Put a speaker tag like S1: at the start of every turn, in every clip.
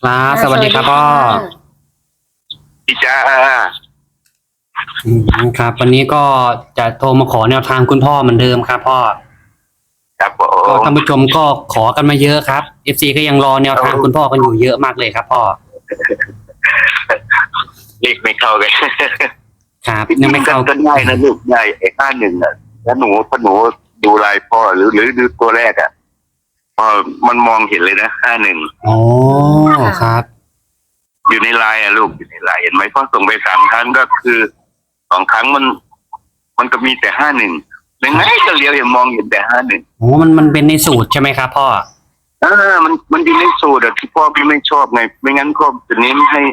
S1: ครับสวัสดีครับพ่อ
S2: พี่จ้า
S1: ครับวันนี้ก็จะโทรมาขอแนวทางคุณพ่อเหมือนเดิมครับพ่อ
S2: ครับผ
S1: ก็
S2: ม
S1: ท่านผู้ชมก็ขอกันมาเยอะครับ FC ก็ยังรอแนวทางคุณพ่อกันอยู่เยอะมากเลยครับพ่อ
S2: เลขไม่เข้ากัน
S1: ครับยังไม่เข้า
S2: ก็ได้นะลูกได้ไอ้51น่ะแล้วหนูดูลายพ่อหรือดูตัวแรกอ่ะพอมันมองเห็นเลยนะ51
S1: อ๋อครับ
S2: อยู่ในไลน์อ่ะลูกอยู่ในไลน์เห็นไหมพ่อส่งไป3 ครั้งก็คือ2 ครั้งมันก็มีแต่51ยังไงก็เลี้ยวยังมองเห็นแต่51
S1: โอ้มันเป็นในสูตรใช่ไหมครับพ่อ
S2: มันอยู่ในสูตรอะที่พ่อพี่ไม่ชอบไงไม่งั้นพ่อจะเน้นให้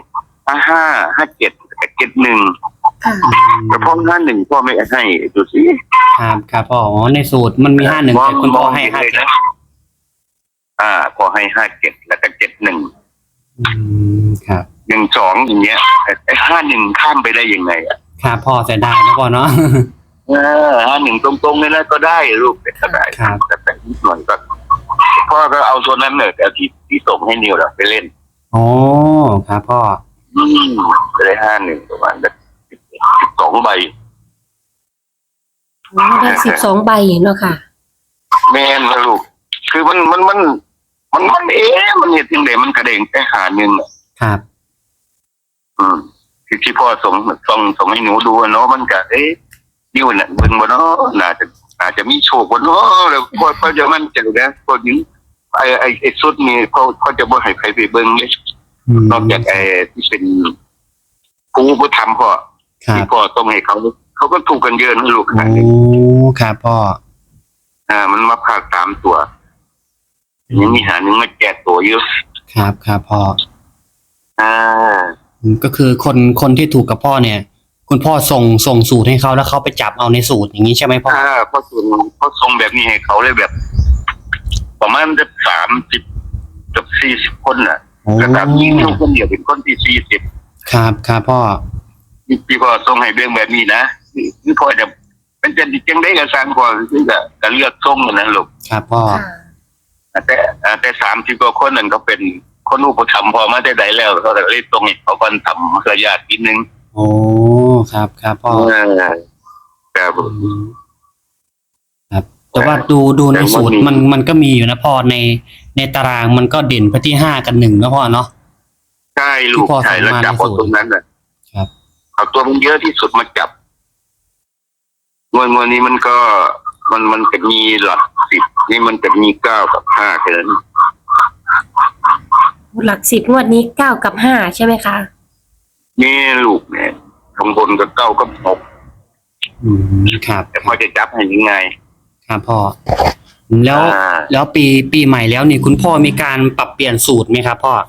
S2: 5771
S3: ค่ะ
S2: แต่พ่อ51พ่อไม่ให้ดูสิ
S1: ครับพ่ออ๋อในสูตรมันมี51แต่คุณพ่อให้57
S2: พ่อให้57แล้วก็71
S1: ครับ
S2: 12อย่างเงี้ยไอ้51ข้ามไปได้ยังไงอ่ะ
S1: ครับพ่อเสียดายนะพ่อเนาะ
S2: 51ตรงๆเลยนะก็ได้ลูกก็ได้แต่นิดหน่อยก็พ่อก็เอาตัวนั้นเนี่ยแต่ที่ส่งให้นิวไปเล่น
S1: อ๋อครับพ่อ
S2: จะได้51ประมาณ12 ใบ
S3: ได้12 ใบเนาะค่ะ
S2: แม่นนะลูกคือมันมันเห็นยังไงมันกระเด้งไป51
S1: ครับ
S2: ที่พ่อส่งให้หนูดูเนาะมันก็นิวน่ะเบิ่งบ่เนาะน่าจะมีโชคบ่เนาะแล้วพ่อจะมั่นใจนะพอถึงไอ้สุดนี้เขาจะบ่ให้ใครไปเบิ่งเลยนอกจากที่เป็นผู้ทำพ่อที่พ่อต้องให้เขาก็ถูกกันเยอะนะลูกขนาดนี้
S1: โอ้ครับพ่อ
S2: มันมาพาก3 ตัวยังมี1มาแจกตัวเยอะ
S1: ครับพ่อก็คือคนที่ถูกกับพ่อเนี่ย คุณพ่อส่งสูตรให้เขาแล้วเขาไปจับเอาในสูตรอย่างนี้ใช่ไหมพ่อ
S2: พ่อส่งแบบนี้ให้เขาเลยแบบประมาณจะ30กับ40คนน่ะแล้วก็ยิ่งลูกคนเดียวเป็นคนที่40
S1: ครับพ่อ
S2: พี่พ่อส่งให้เรื่องแบบนี้นะพี่พ่อจะมันจะจังได้กับสร้างพ่อคือจะเลือกส่งนั่นลูก
S1: ครับพ่อ
S2: แต่30 กว่าคนนั่นก็เป็นคนอุปถัมภ์พอมาได้แล้วเขาจะเรียกตรงนี้เขาก็ทำเพื่อญาตินิดนึง
S1: โอ้ครับพ่อ
S2: ครับ
S1: แต่ว่าดูในสูตรมันก็มีอยู่นะพ่อในตารางมันก็เด่นไปที่5 กับ 1นะพ่อเนาะ
S2: ใช่ลูกใช่แล้วจับตรงนั้นน่ะ
S1: ครับ
S2: เอาตัวมันเยอะที่สุดมาจับงวดนี้มันก็มันจะมีหลัก10นี่มันจะมี9 กับ 5แค่นั้น
S3: หลัก10งวดนี้9 กับ 5ใช่ไหมคะ
S2: นี่ลูกเนี่ยข้างบนก็9 กับ6
S1: ครับ
S2: แต่พ่อจะจับให้ยังไง
S1: ครับพ่อแล้วปีใหม่แล้วนี่คุณพ่อมีการปรับเปลี่ยนสูตรไหมครับพ่อ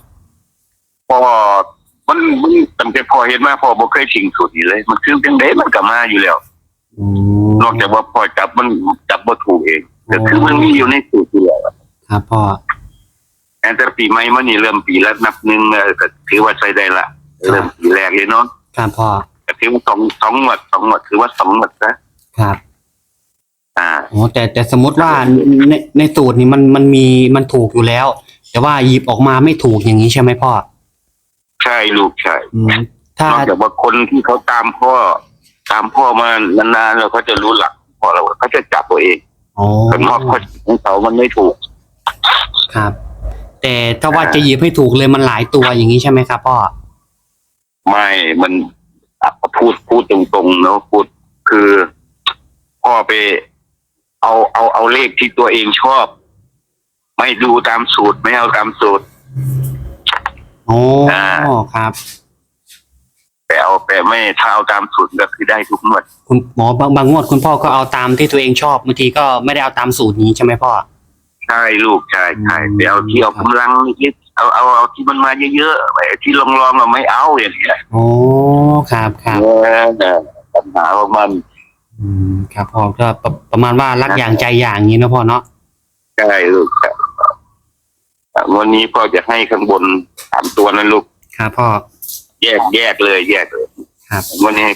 S2: มันตั้งแต่พ่อเห็นมาพ่อบ่เคยทิ้งสูตรนี้เลยมันคือจังได๋มันก็มาอยู่แล้วนอกจากว่าพ่อจับมันจับบ่ถูกเองแต่คือมันมีอยู่ในสูตรอยู่แล้ว
S1: ครับพ่อ
S2: แต่ปีใหม่มานี่เริ่มปีละนับหนึ่งก็ถือว่าใช้ได้ละเริ่มปีแรกเลยเนาะ
S1: ครับพ่อ
S2: ก็ถือว่า2 งวดถือว่า2 งวด
S1: นะครับอ๋อแต่สมมติว่าในสูตรนี่มันถูกอยู่แล้วแต่ว่าหยิบออกมาไม่ถูกอย่างนี้ใช่ไหมพ่อ
S2: ใช่ลูกใช่
S1: ถ้าน
S2: อกจากว่าคนที่เขาตามพ่อมานานๆแล้วเขาจะรู้หลักพ่อเราเขาจะจับตัวเองแต่นอกของเขามันไม่ถูก
S1: ครับแต่ถ้าว่าจะหยิบให้ถูกเลยมันหลายตัวอย่างนี้ใช่ไหมครับพ่อ
S2: ไม่มันพูดตรงๆเนาะพูดคือพ่อไปเอาเลขที่ตัวเองชอบไม่ดูตามสูตรไม่เอาตามสูตร
S1: โอ้ครับ
S2: แต่ไม่ถ้าเอาตามสูตรก็คือได้ทุกงวด
S1: คุณหมอบางงวดคุณพ่อก็เอาตามที่ตัวเองชอบบางทีก็ไม่ได้เอาตามสูตรนี้ใช่ไหมพ่อ
S2: ใช่ลูกใช่ไปเอาที่เอากำลังนิดเอาที่มันมาเยอะๆไอ้ที่ลองเราไม่เอาอย่างเงี้ย
S1: โอ้ครับ
S2: ปัญหาของมัน
S1: ครับพ่อก็ประมาณว่ารักอย่างใจอย่างนี้นะพ่อเนาะ
S2: ใช่ลูกวันนี้พ่อจะให้ข้างบน3 ตัวนะลูก
S1: ครับพ่อ
S2: แยกเลย
S1: ครับ
S2: วันนี้ให้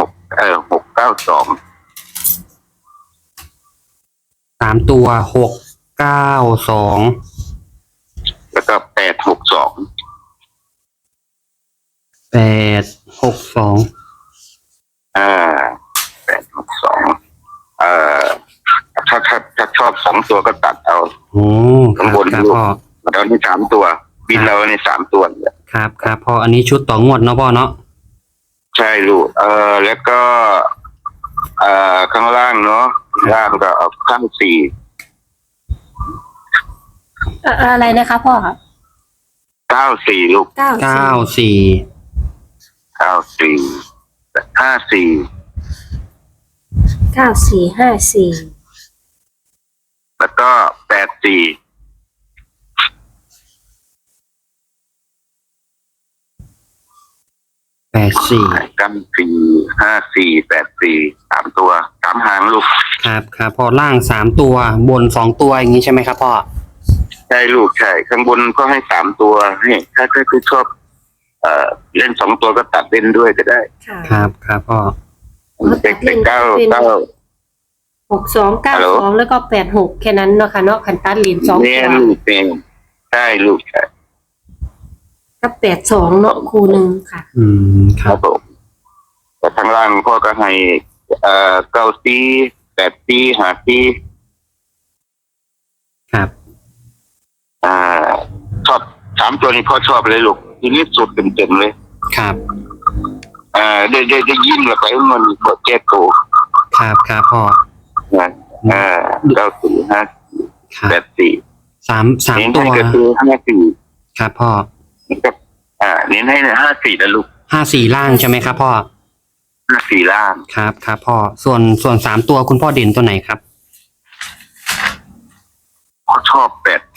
S1: 3 ตัว6 9 2
S2: แล้วก็8 6 2
S1: 862
S2: อ่า862เอ่อถ้าชอบ2 ตัวก็ตัดเอา
S1: โอ้ค
S2: ข้าง
S1: รับบ
S2: น
S1: ครับ
S2: ลูก
S1: พ่อ
S2: เราใน3 ตัว บินเราใน3 ตัวเนี่ย
S1: ครับครับพ่ออันนี้ชุดต่องวดเนาะพ่อเนาะ
S2: ใช่ลูกแล้วก็ข้างล่างเนาะล่างก็เอาข้าง
S3: อะไรนะคะพ่อ
S2: 4 94ลูก
S3: เก้า
S1: 94
S2: 94 54
S3: 9454
S2: แล้วก็84
S1: 84
S2: 94 54 3 ตัว3 หางลูก
S1: ครับครับพ่อล่าง3ตัวบน2ตัวอย่างนี้ใช่ไหมครับพ่อ
S2: ใช่ลูกใช่ข้างบนก็ให้3 ตัวให้ถ้าคือชอบเล่น2 ตัวก็ตัดเล่นด้วยก็ได้
S3: ค่ะ
S1: ครับครับพ่อ
S2: เด็กเก้า
S3: 6292แล้วก็86แค่นั้นเนาะค่ะเนาะคันตัดเหรียญ2
S2: เนี่
S3: ตั
S2: ยว ลูกเป็นใช่ลูกใช่
S3: กับ82เนาะคู่หนึ่งค่ะ
S1: ค
S2: ค
S1: รั
S2: รับ บผมแต่ทางล่างพ่อก็ให้94 84
S1: ครับ
S2: 55ชอบ3 ตัวนี้พ่อชอบเลยลูกทีนี้สุดเต็มๆเลย
S1: ครับ
S2: ได้ยิ้มแล้วไปมันโปรเจกต์โก
S1: ครับครับพ่อ
S2: นะ94
S1: ครับ
S2: 54
S1: สาม
S2: เน้น
S1: ตั
S2: ให้
S1: ว
S2: ก็คือ54
S1: ครับพ่อ
S2: กับเน้นให้54นะลูก
S1: 54ล่างใช่ไหมครับพ่อ
S2: 54ล่าง
S1: ครับครับพ่อส่วน3ตัวคุณพ่อเด่นตัวไหนครับ
S2: พ่อชอบ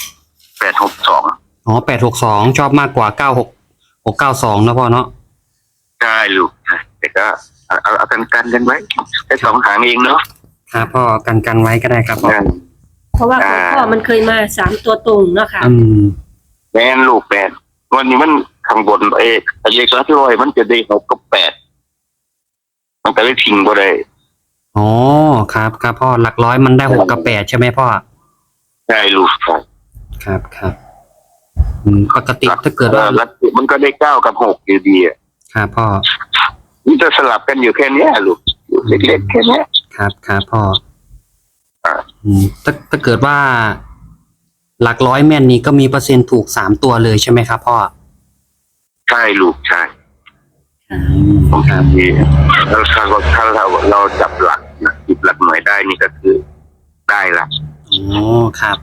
S2: 862
S1: อ๋อ862ชอบมากกว่า692นะพ่อเนาะ
S2: ใช่ลูกแต่ก็เอากันไว้แค่2 หางเองเนาะ
S1: ครับพ่อกันไว้ก็ได้ครับพ่อ
S3: เพราะว่าของพ่อมันเคยมา3ตัวตรงเนาะค่ะ
S2: แมนลูกวันนี้มันข้างบนเลขหลักร้อยมันจะได้6 กับ 8มันก็เลยทิ้งบ่ได้
S1: อ๋อครับครับพ่อหลักร้อยมันได้6 กับ 8ใช่ไหมพ่อ
S2: ใช่ลูกครับ
S1: ครับครับปกติถ้าเกิดว่า
S2: แล้วมันก็ได้9 กับ 6อยู่ดีอ่ะ
S1: ครับพ่อ
S2: มันจะสลับกันอยู่แค่เนี้ยลูกอยู่เล็กๆแค่เนี้ย
S1: ครับครับพ่อ
S2: อ่า
S1: ถ้าเกิดว่า หลักร้อยแม่นนี้ก็มีเปอร์เซ็นต์ถูก3 ตัวเลยใช่ไหมครับพ่อ
S2: ใช่ลูกใช่
S1: ครับ
S2: แล้วถ้าเราจับหลักจิบหลักหน่วยได้นี่ก็คือได้ละ
S1: อ๋อครับ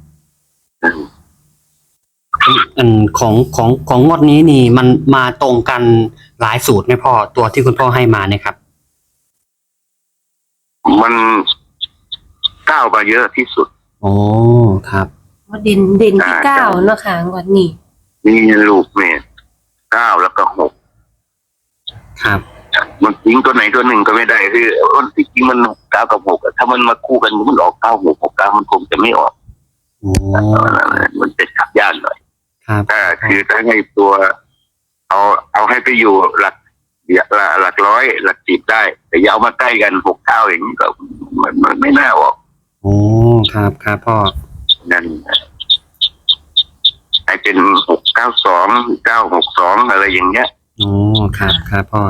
S1: อันของงวดนี้นี่มันมาตรงกันหลายสูตรไหมพ่อตัวที่คุณพ่อให้มาเนี่ยครับ
S2: มันก้าวมาเยอะที่สุด
S1: โอ้ครับ
S3: เด่นที่9เนาะค่ะวันนี้
S2: นี่ลูกเนี่ย9 แล้วก็ 6
S1: ครับ
S2: มันทิ้งตัวไหนตัวหนึ่งก็ไม่ได้คือมันที่จริงมัน9 กับ 6ถ้ามันมาคู่กันมันออก9 6 6 9มันคงจะไม่ออก
S1: โอ้
S2: มันจะขับยากหน่อย
S1: ครับ
S2: คือถ้าให้ตัวเอาให้ไปอยู่หลักร้อยหลัก10ได้แต่อยาวมาใกล้กัน6 9อย่างนี้ก็มันไม่น่าออก
S1: โอ้ครับครับพ่อ
S2: นั่นให้เป็น692 962อะไรอย่างเงี้ย
S1: โอ้ครับครับพ่อ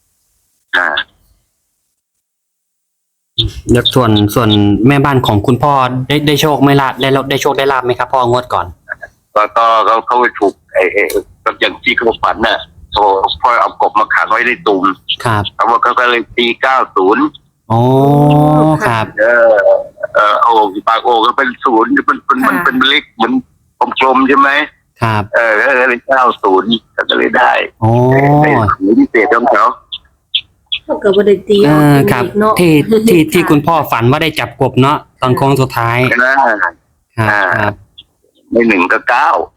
S1: แล้วส่วนแม่บ้านของคุณพ่อได้โชคไม่ลาบได้โชคได้ลาบไหมครับพ่องวดก่อน
S2: ก็เขาไปถูกก็อย่างที่เขาฝันน่ะพ่อเอากบมาขังไว้ในตุ่ม
S1: ครับ
S2: เขาก็เลยตี90
S1: โอ้ครับ
S2: โอ่งปากโอ่งก็เป็น0มันเป็นเล็กเหมือนกลมๆใช่ไหม
S1: ครับ
S2: ก็เลย90ก็เลยได้
S1: โอ้
S2: พิเศษของเขา
S3: ก็เกิดบ่ได้ตี
S1: ครับ
S3: เนาะ
S1: ที่คุณพ่อฝันว่าได้จับกบเนาะตอนโค้งสุดท้าย ครับ
S2: ไม่1 ก็ 9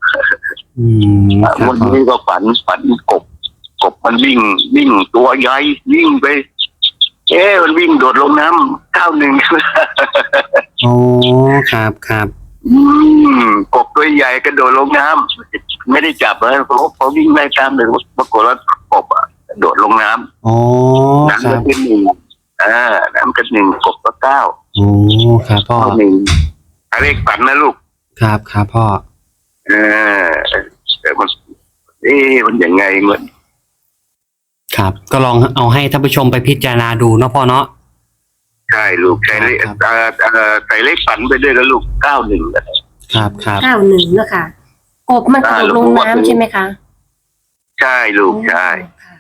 S1: ครับ
S2: วันนี้ก็ฝันกบมันวิ่งตัวใหญ่วิ่งไปมันวิ่งโดดลงน้ำ91
S1: โอ้ครับครับ
S2: กบตัวใหญ่กระโดดลงน้ำไม่ได้จับเลยเพราะวิ่งไล่ตามเลยปรากฏว่ากบกระโดดลงน้ำ
S1: โอ้ค
S2: น้ำ
S1: รั
S2: ก็
S1: บ
S2: เป็น1น้ำก็1กบก็9
S1: โอ้ครับพ่อ
S2: 1เลขฝันนะลูก
S1: ครับครับพ่อ
S2: แต่มันมันยังไงเหมือน
S1: ครับ ก็ลองเอาให้ท่านผู้ชมไปพิจารณาดูเนาะพ่อเนาะ
S2: ใช่ลูกใส่เลข
S1: ครับ
S2: ใส่เลขฝันไปด้วยแล้วลูก91
S1: ครับครับ
S3: 91เนาะค่ะกบมันตกลงน้ำใช่ไหมคะ
S2: ใช่ลูกใช่
S3: ค่ะ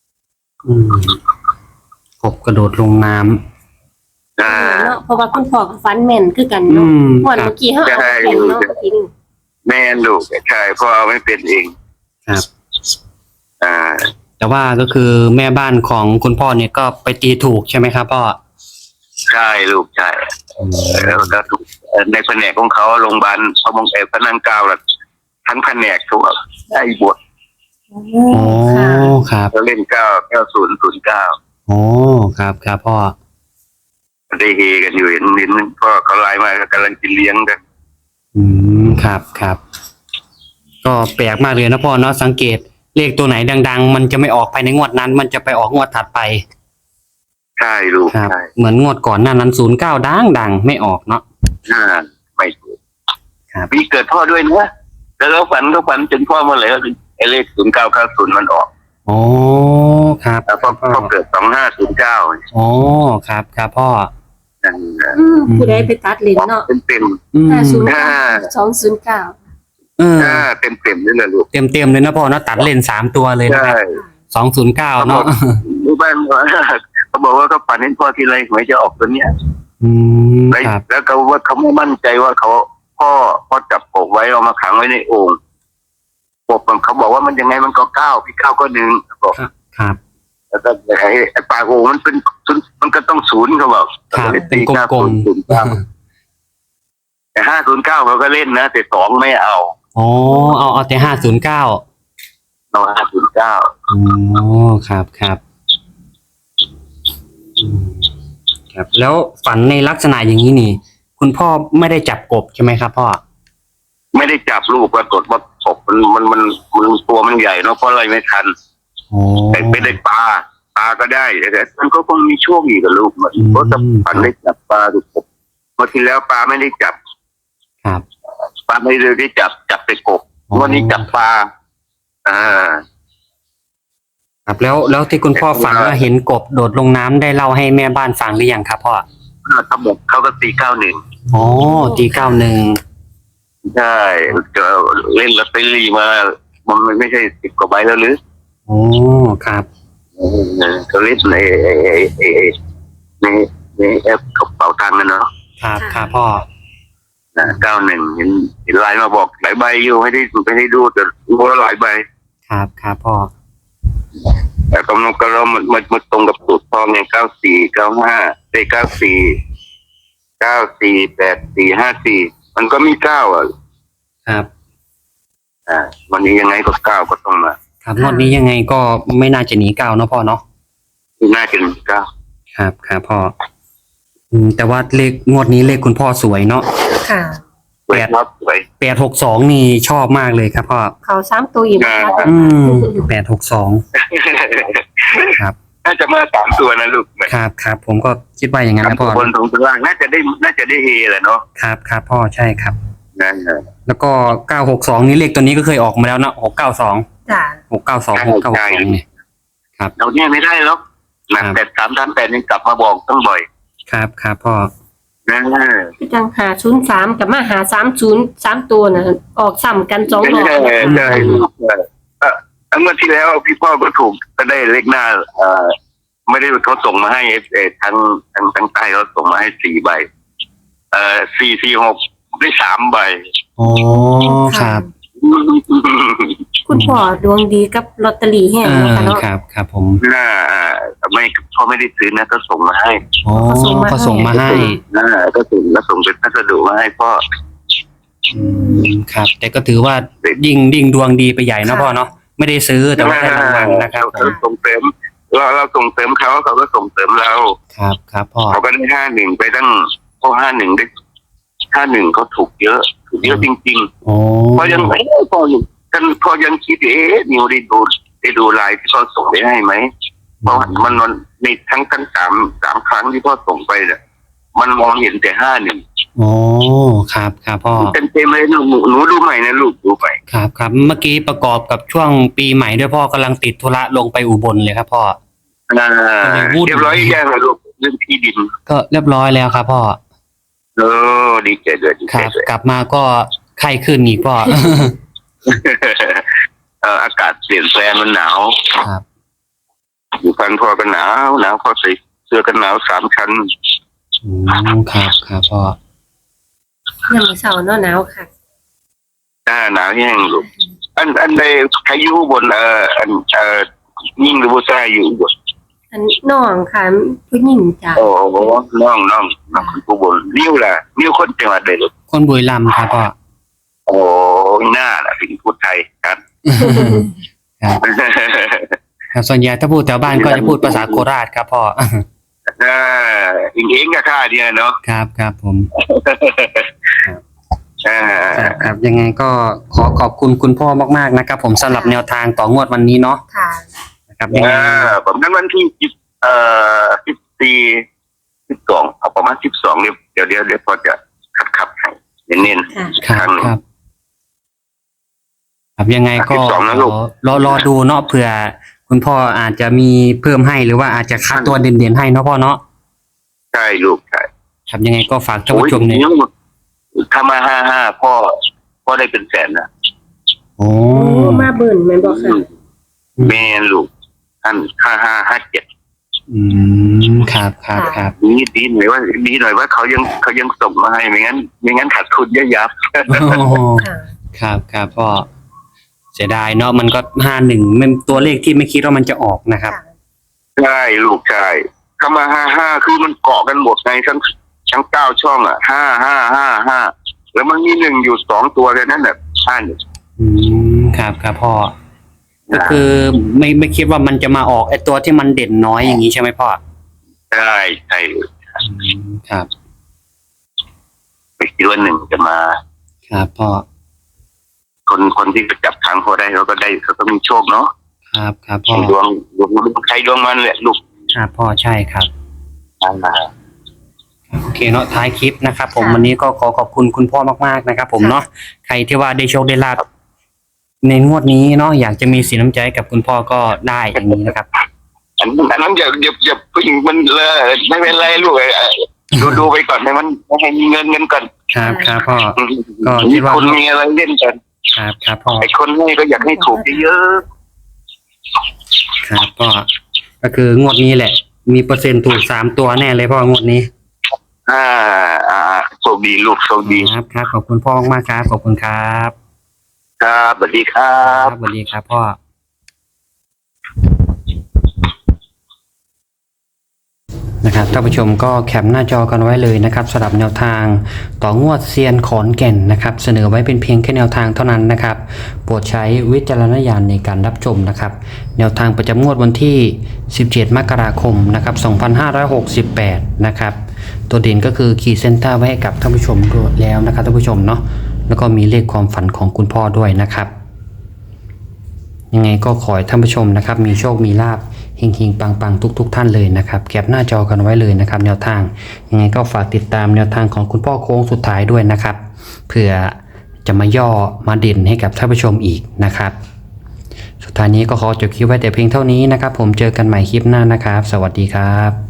S1: กบกระโดดลงน้ำ
S3: เนาะเพราะว่าคุณพ่อกับฟันแม่นคือกัน
S1: อื
S3: เนาะ
S1: ม
S3: วัน
S1: ครับ
S3: เมื่อกี้เขาเอาไปเป็นเนาะเมื่อกี้นี่
S2: แม่นลูกใช่พ่อเอาไม่เป็นเอง
S1: ครับ
S2: อ่า
S1: แต่ว่าก็คือแม่บ้านของคุณพ่อเนี่ยก็ไปตีถูกใช่ไหมครับพ่อ
S2: ใช่ลูกใช่แล้วก็ถูกในแผนกของเขาโรงพยาบาลพระมงเอกพระนั่งเกล้าล่ะทั้งแผนกทุกได้บท
S3: โอ้
S1: โอ้
S3: ค่ะ
S1: ครับ
S2: เขาเล่น9009
S1: โอ้ครับครับพ่อ
S2: ได้เฮกันอยู่เห็นพ่อเขาไลน์มาก็กำลังกินเลี้ยงกัน
S1: ครับครับก็แปลกมากเลยนะพ่อเนาะสังเกตเลขตัวไหนดังๆ มันจะไม่ออกภายในงวดนั้น มันจะไปออกงวดถัดไป
S2: ใช่ลูก
S1: ครับ
S2: ใช่
S1: เหมือนงวดก่อนหน้านั้น09ดังไม่ออกเนาะ
S2: ไม่ถูก
S1: ครับ
S2: พี่เกิดพ่อด้วยนะแล้วก็ฝันจนพ่อเมื่อไหร่ก็ไอ้เลข0990มันออก
S1: โอ้ครับ
S2: แล้วพ่อเกิด2509
S1: โอ้ครับครับพ่อ
S3: ผู้ใดไปตัดเลนเนาะ
S2: เต็ม
S3: 509 209
S1: เออ
S2: เต็มนี่แหละลูก
S1: เต็มเลยนะพ่อเนาะตัดเลน3ตัวเลยนะ
S2: ใช่
S1: ครับ209เนาะ
S2: รู้บ้านเขาบอกว่าเขาฝันเห็นพ่อทีไรหวยจะออกตัวเนี้ย
S1: ครับ
S2: แล้วเขาว่าเขาไม่มั่นใจว่าพ่อจับกบไว้เอามาขังไว้ในโอ่งกบเขาบอกว่ามันยังไงมันก็9พี่9ก็1บอก
S1: ครับ
S2: แล้วก็ไอ้ปากโอ่งมันก็ต้อง0เขาบอก
S1: ครับเป็นกลม
S2: แต่509เขาก็เล่นนะแต่2ไม่เอา
S1: ๆโอ้เอาแต่509
S2: เรา509
S1: โอ้ครับครับครับแล้วฝันในลักษณะอย่างนี้นี่ คุณพ่อไม่ได้จับกบใช่ไหมครับพ่อ
S2: ไม่ได้จับลูกปรากฏว่ากบมันตัวมันใหญ่เนาะเพราะอะไรไม่ทัน
S1: โอ้
S2: แต่ไม่ได้ปลาก็ได้แต่มันก็คงมีช่วงอีกกับลูกมันเพราะถ้าฝันได้จับปลาดูกบเมื่อที่แล้วปลาไม่ได้จับ
S1: ครับ
S2: ปลาไม่ได้จับแต่กบวันนี้จับปลา
S1: ครับแล้วที่คุณพ่อฝันว่าเห็นกบโดดลงน้ำได้เล่าให้แม่บ้านฟังหรือยังครับพ่อ
S2: เขาบอกเขาก็ตี91
S1: โอ้ตี91
S2: ใช่จะเล่นลอตเตอรี่มามันไม่ใช่10 กว่าใบแล้วหรือ
S1: โอ้ครับ
S2: เขาเล่นในแอปกระเป๋าตังค์นะเนาะ
S1: ครับครับพ่อ
S2: 91เห็นไลน์มาบอกหลายใบอยู่ไม่ได้ดูแต่รู้ว่าหลายใบ
S1: ครับครับพ่อ
S2: แต่กำลังก็เรามันตรงกับสูตรพ่อไง9495ได้94845454มันก็มี9
S1: ครับ
S2: วันนี้ยังไงก็9ก็ต้องมา
S1: ครับงวดนี้ยังไงก็ไม่น่าจะหนี9เนาะพ่อเนาะ
S2: น่าจะมี9
S1: ครับครับพ่อแต่ว่าเลขงวดนี้เลขคุณพ่อสวยเนาะ
S3: ค่ะ
S2: สวยครับสวย
S1: 862นี่ชอบมากเลยครับพ่อ
S3: เขา3ตัวอีกนะคะ
S1: 862ครับ
S2: น่าจะมา3ตัวนะลูก
S1: ครับครับผมก็คิดว่าอย่างนั้นนะพ่อบ
S2: นตรงล่างน่าจะได้เฮแหละเนาะ
S1: ครับครับพ่อใช่ครับ
S2: นั่น
S1: แล้วก็962นี่เลขตัวนี้ก็เคยออกมาแล้วนะ692
S3: จ้ะ
S1: 692เนี่ย
S2: เราเนี่ยไม่ได้หรอกหนัก8338ยังกลับมาบอกต้องบ่อย
S1: ครับครับพ่อ
S2: นั่น
S3: คือจัง503กับมา530 3ตัวน่ะออกซ้ำกัน2รอบ
S2: ใช่เมื่อที่แล้วพี่พ่อก็ถูกก็ได้เลขหน้าไม่ได้เขาส่งมาให้ทั้งใต้เขาส่งมาให้4 ใบ446ได้3 ใบ
S1: โอ้ครับ
S3: คุณพ่อดวงดีกับลอตเตอรี่แห้งนะคะเนาะ
S1: ครับครับผม
S2: ไม่พ่อไม่ได้ซื้อนะก็ส่งมาให้
S1: โอ้ก็ส่งมาให้
S2: ก็ส่งเป็นพัสดุมาให้พ่อ
S1: ครับ แต่ก็ถือว่ายิ่งดวงดีไปใหญ่นะพ่อเนาะไม่ได้ซื้อแต่ว่าได้รางวัลนะครับ
S2: เราส่งเสริมเราส่งเสริมเขาก็ส่งเสริมเรา
S1: ครับครับพ่อ
S2: เขาก็ได้51ไปตั้งพอ51ได้51เขาถูกเยอะจริง
S1: โอ้
S2: ๆพอยังพอยังคิดนิวได้ดูไลน์ที่พ่อส่งไปให้ไหมเพราะมันในทั้ง3 ครั้งที่พ่อส่งไปเนี่ยมันมองเห็นแต่51
S1: โอ้ครับครับพ่อ
S2: เต็มเลยหนูดูใหม่นะลูกดูใหม่
S1: ครับครับเมื่อกี้ประกอบกับช่วงปีใหม่ด้วยพ่อกำลังติดธุระลงไปอุบลเลยครับพ่อ
S2: เรียบร้อยยังลูกเรื่องที่ดิน
S1: ก็เรียบร้อยแล้วครับพ่อ
S2: ดีใจด้วยดี
S1: ค
S2: ใจ
S1: รับ
S2: ด้วย
S1: กลับมาก็ไข้ขึ้นอีกพ่อ
S2: อากาศเปลี่ยนแปลงมันหนาว
S1: ครับ
S2: อยู่พันพอกันหนาวพอใส่เสื้อกันหนาว3 ชั้น
S1: ครับครับพ่อ
S3: ยังไม่เช้าเนาะหนาวค่ะ
S2: หนาวแห้งลูกอันใดใครอยู่บนยิ่งหรือว่าใช่อยู่บน
S3: อันน้องค่ะผู้หญิงจ้ะ
S2: โอ้โหน้องคนผู้บนนิ้วคนจังหวัดใดลูก
S1: คนบุรีรัมย์ครับพ่อ
S2: โอ้หน้าล่ะเป็นพูดไทยครับ
S1: ครับครับส่วนใหญ่ถ้าพูดแถวบ้านก็จะพูดภาษาโคราชครับพ่อ
S2: เองกับข้าเนี่ยเนาะ
S1: ครับครับผม
S2: อ่า
S1: ครับยังไงก็ขอขอบคุณคุณพ่อมากๆนะครับ ผมสำหรับแนวทางต่องวดวันนี้เนาะ
S3: ค่ะ
S1: นะครับยังไง
S2: ผมนั้นวันที่12เอาประมาณ12เนี่ยเดี๋ยวพอจะขับให้เน้น
S3: ค่ะ
S1: ครับครับครับยังไงก็
S2: 12นะลูก
S1: รอดูเนาะเผื่อคุณพ่ออาจจะมีเพิ่มให้หรือว่าอาจจะคัดตัวเด่นๆให้เนาะพ่อเนาะ
S2: ใช่ลูกใช่
S1: ครับยังไงก็ฝากท่านผู้ชมเนี่ย
S2: ถ้ามา55พ่อได้เป็นแสนนะ
S1: โอ้
S3: โอ้มาเบิ่นแม่นบ่ค่ะ
S2: แม่ลูกท่าน5557
S1: ครับครับครับ
S2: นี่ดีหน่อยว่าเขายังส่งมาให้ไม่งั้นขาดทุนเยอะยับ
S1: โอ้โห
S3: ค่ะ
S1: ครับครับพ่อเสียดายเนาะมันก็51มันตัวเลขที่ไม่คิดว่ามันจะออกนะครับ
S2: ใช่ลูกใช่ถ้ามา55คือมันเกาะกันหมดในทั้ง9 ช่องอ่ะ55แล้วมันมี1อยู่2ตัวเลยนั่นแหละ
S1: ครับครับพ่อก็คือไม่คิดว่ามันจะมาออกไอ้ตัวที่มันเด่นน้อยอย่างนี้ใช่ไหมพ่อ
S2: ใช่
S1: ครับ
S2: ไม่คิดว่า1จะมา
S1: ครับพ่อ
S2: คนที่จะจับทางเขาได้เขาก็ได้เขาก็มีโชคเนาะ
S1: ครับครับพ่อ
S2: ดวงใครดวงมันแหละลูก
S1: ครับพ่อใช่ครับโอเคเนาะท้ายคลิปนะครับ ผม
S3: ค่ะ
S1: วันนี้ก็ขอขอบคุณคุณพ่อมากๆนะครับ ผมเนาะใครที่ว่าได้โชคได้ลาภในงวดนี้เนาะอยากจะมีสินน้ำใจกับคุณพ่อก็ได้อย่างนี้นะครับ
S2: อันนั้นอย่าผู้หญิงมันเลยไม่เป็นไรลูกดูไปก่อนให้มีเงินก่อน
S1: ครับครับพ่อ ก็คิ
S2: มี
S1: ดว่า
S2: คนมีอะไรเล่นกัน
S1: ครับครับพ่อ
S2: ไอ้คนให้ก็อยากให้ถูกเยอะ
S1: ครับพ่อก็คืองวดนี้แหละ มีเปอร์เซ็นต์ถูก3 ตัวแน่เลยพ่องวดนี้
S2: โชคดีลูกโชคดี
S1: ครับครับขอบคุณพ่อมากๆครับขอบคุณครับ
S2: ครับสวัสดีครั
S1: ครับ บสวัสดีครับพ่อนะครับท่านผู้ชมก็แคปหน้าจอกันไว้เลยนะครับสำหรับแนวทางต่องวดเซียนขอนแก่นนะครับเสนอไว้เป็นเพียงแค่แนวทางเท่านั้นนะครับโปรดใช้วิจารณญาณในการรับชมนะครับแนวทางประจำงวดวันที่17 มกราคมนะครับ2568นะครับตัวเด่นก็คือขีดเส้นใต้ไว้ให้กับท่านผู้ชมด้วยแล้วนะครับท่านผู้ชมเนาะแล้วก็มีเลขความฝันของคุณพ่อด้วยนะครับยังไงก็ขอให้ท่านผู้ชมนะครับมีโชคมีลาภเฮงๆปังๆทุกท่านเลยนะครับแคปหน้าจอกันไว้เลยนะครับแนวทางยังไงก็ฝากติดตามแนวทางของคุณพ่อโค้งสุดท้ายด้วยนะครับเผื่อจะมาย่อมาเด่นให้กับท่านผู้ชมอีกนะครับสุดท้ายนี้ก็ขอจบคลิปไว้แต่เพียงเท่านี้นะครับผมเจอกันใหม่คลิปหน้านะครับสวัสดีครับ